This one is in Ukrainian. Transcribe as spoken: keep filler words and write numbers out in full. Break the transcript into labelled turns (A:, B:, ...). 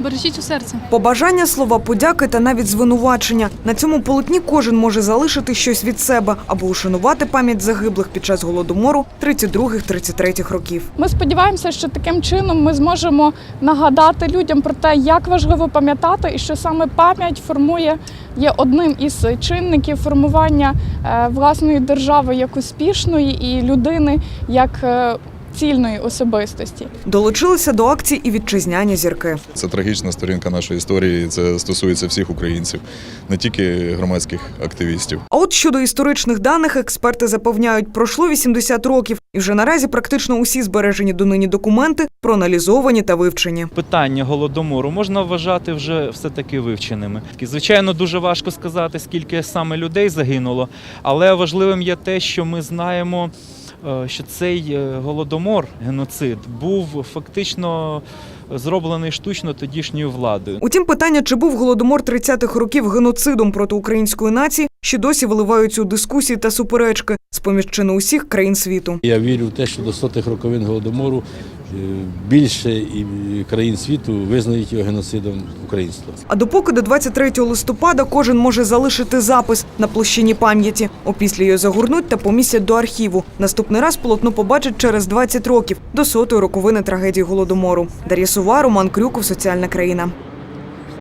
A: бережіть у серці.
B: Побажання, слова подяки та навіть звинувачення. На цьому полотні кожен може залишити щось від себе або ушанувати пам'ять загиблих під час Голодомору тридцять других - тридцять третіх років.
C: Ми сподіваємося, що таким чином ми зможемо нагадати людям про те, як важливо пам'ятати і що саме пам'ять формує, є одним із чинників формування власної держави як успішної і людини як цільної особистості.
B: Долучилися до акції і вітчизняні зірки.
D: Це трагічна сторінка нашої історії, це стосується всіх українців, не тільки громадських активістів.
B: А от щодо історичних даних, експерти запевняють, пройшло вісімдесят років, і вже наразі практично усі збережені донині документи проаналізовані та вивчені.
E: Питання Голодомору можна вважати вже все-таки вивченими. Звичайно, дуже важко сказати, скільки саме людей загинуло, але важливим є те, що ми знаємо, що цей Голодомор, геноцид, був фактично зроблений штучно тодішньою владою.
B: Утім, питання, чи був Голодомор тридцятих років геноцидом проти української нації, ще досі виливаються у дискусії та суперечки з-поміж чи не усіх країн світу.
F: Я вірю в те, що до сотих роковин Голодомору більше країн світу визнають його геноцидом українства.
B: А допоки до двадцять третього листопада кожен може залишити запис на площині пам'яті. Опісля його загорнуть та помістять до архіву. Наступний раз полотно побачать через двадцять років, до сотої роковини трагедії Голодомору. Дар'я Сова, Роман Крюков, Соціальна країна.